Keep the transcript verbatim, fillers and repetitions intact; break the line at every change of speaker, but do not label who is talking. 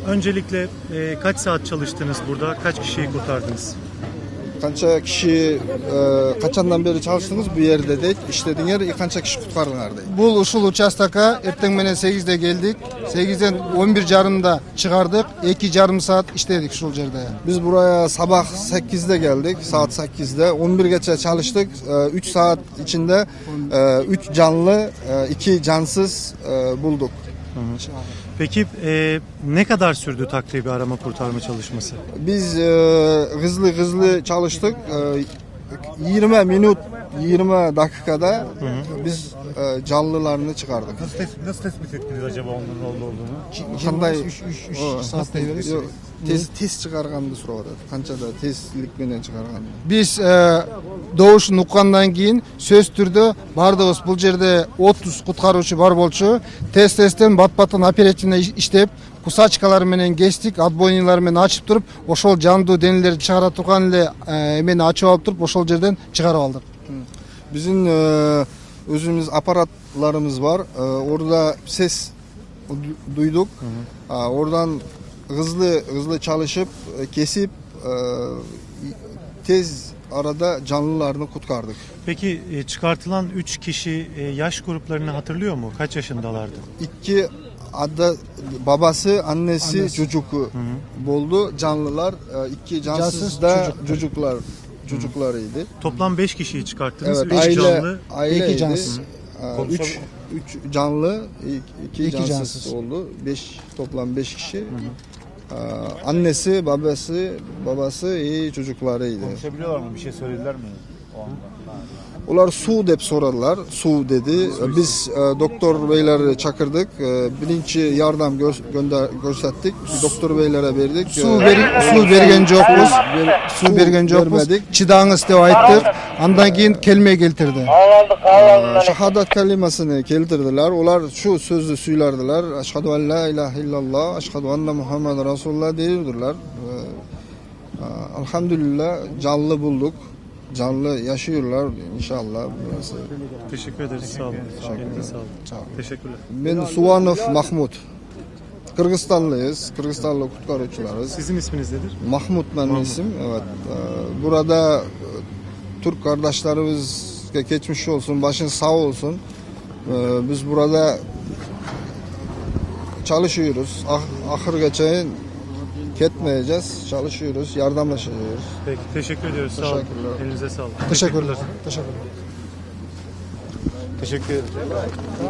Öncelikle e, kaç saat çalıştınız burada? Kaç kişiyi kurtardınız?
Qancha kishi e, qachondan beri çalıştınız bu yerde deydi. İşlediğiniz yer qancha kishi qutqardinglar deydi.
Bul uşul участокка erteng menen сегизде келдик. сегизден он бир жарымда чыгардык. эки жарым saat işledik uşul жерде.
Biz buraya sabah sekizde geldik. Saat sekizde. on birgacha çalıştık. üç saat içinde üç canlı, iki cansız bulduk.
Peki e, ne kadar sürdü takribi arama kurtarma çalışması?
Biz e, hızlı hızlı çalıştık. E, yirmi minut, yirmi dakikada hı hı. biz e, canlılarını çıkardık.
Nasıl tespit, nasıl tespit ettiniz acaba onların orada olduğunu?
Qanday
üç saatte beresiz.
Tez tez çıkargandı surap atadi. Qanchada tezlik bilen çıkargandı.
Biz e, doğuşun uqqandan keyin söz түрдө бардыгыбыз бул жерде отуз куткаруучу бар болчу. Тез тезден бат баттан оперативно иштеп, кусачкалар менен кестик, отбойнилар менен ачып туруп, ошол жандуу денелерди чыгара турган эле эмени ачып алып туруп, ошол жерден чыгарып алдык.
Bizim e, özümüz aparatlarımız var. E, orada ses duyduk. Hı hı. E, oradan hızlı hızlı çalışıp e, kesip e, tez arada canlılarını kurtardık.
Peki e, çıkartılan üç kişi e, yaş gruplarını hatırlıyor mu? Kaç yaşındalardı?
İki adı babası, annesi, annesi. çocuğu buldu. Canlılar, e, iki cansız, cansız da çocuklar. çocuklar çocuklarıydı.
Toplam beş kişiyi çıkarttınız.
Evet,
üç
aile,
canlı,
aileydi.
iki cansız.
Ee, üç, üç canlı, iki, iki cansız, cansız oldu. Beş, toplam beş kişi. Hı hı. Ee, annesi, babası, babası iyi çocuklarıydı.
Konuşabiliyorlar mı? Bir şey söylediler mi o anda?
Onlar su dep soradılar. Su dedi. Biz e, doktor beyleri çakırdık. E, birinci yardım gö gönder gösterdik. Doktor beylere verdik.
Su ver su bergen jokpuz. Su bergen jokpuz. Çıdağınız dep ayttık. Andan keyin kelme keltirdi.
E, şahadat kelimesini keltirdiler. Onlar şu sözü söylerdiler. Eşhedü en la ilahe illallah, eşhedü enne Muhammed Resulullah diyordular. E, e, elhamdülillah canlı bulduk. Canlı yaşıyorlar inşallah burası.
Teşekkür ederiz. Sağ olun. Teşekkürler. Sağ olun.
Sağ olun.
Teşekkürler.
Ben Suvanov Mahmut. Kırgızistanlıyız. Kırgızistanlı kurtarıcılarız.
Sizin isminiz nedir?
Mahmut benim isim. Evet. Burada Türk kardeşlerimize geçmiş olsun, başın sağ olsun. Biz burada çalışıyoruz. Ah, ahır geçen ketmeyeceğiz. Çalışıyoruz, yardımlaşıyoruz.
Peki, teşekkür ediyoruz. Sağ olun. Elinize sağlık.
Teşekkürler. Teşekkürler.
Teşekkür ederim.